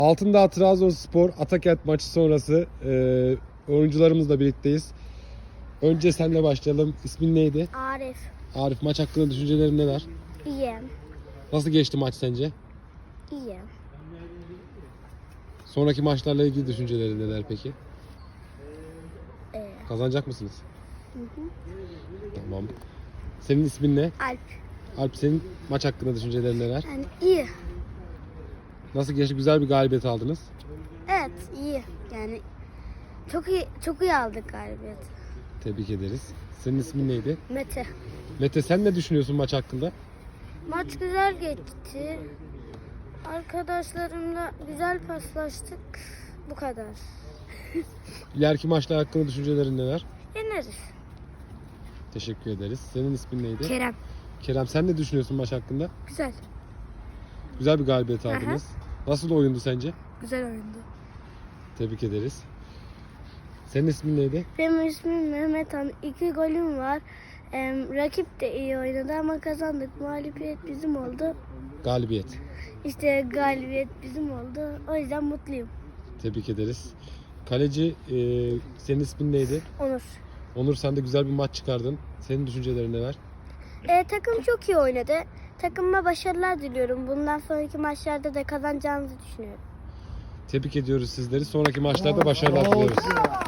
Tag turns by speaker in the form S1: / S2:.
S1: Altındağ Trabzonspor Atakent maçı sonrası oyuncularımızla birlikteyiz. Önce senle başlayalım. İsmin neydi?
S2: Arif.
S1: Arif, maç hakkında düşüncelerin neler?
S2: İyi.
S1: Nasıl geçti maç sence?
S2: İyi.
S1: Sonraki maçlarla ilgili düşüncelerin neler peki?
S2: Ee,
S1: Kazanacak mısınız?
S2: hı.
S1: Tamam. Senin ismin ne?
S2: Alp.
S1: Alp, senin maç hakkında düşüncelerin neler?
S2: Yani iyi.
S1: Nasıl geçti? Güzel bir galibiyet aldınız.
S2: Evet, iyi. Yani çok iyi aldık galibiyet.
S1: Tebrik ederiz. Senin ismin neydi?
S2: Mete.
S1: Mete, sen ne düşünüyorsun maç hakkında?
S2: Maç güzel geçti. Arkadaşlarımla güzel paslaştık. Bu kadar.
S1: İleriki maçlar hakkında düşüncelerin neler?
S2: Yeneriz.
S1: Teşekkür ederiz. Senin ismin neydi?
S2: Kerem.
S1: Kerem, sen ne düşünüyorsun maç hakkında?
S2: Güzel.
S1: Güzel bir galibiyet aldınız. Nasıl oyundu sence?
S2: Güzel oyundu.
S1: Tebrik ederiz. Senin ismin neydi?
S2: Benim ismim Mehmet Han. 2 golüm var. Rakip de iyi oynadı ama kazandık. Mağlubiyet bizim oldu.
S1: Galibiyet.
S2: İşte galibiyet bizim oldu. O yüzden mutluyum.
S1: Tebrik ederiz. Kaleci, senin ismin neydi?
S2: Onur.
S1: Onur, sen de güzel bir maç çıkardın. Senin düşüncelerin neler?
S2: Takım çok iyi oynadı. Takımıma başarılar diliyorum. Bundan sonraki maçlarda da kazanacağımızı düşünüyorum.
S1: Tebrik ediyoruz sizleri. Sonraki maçlarda başarılar diliyoruz.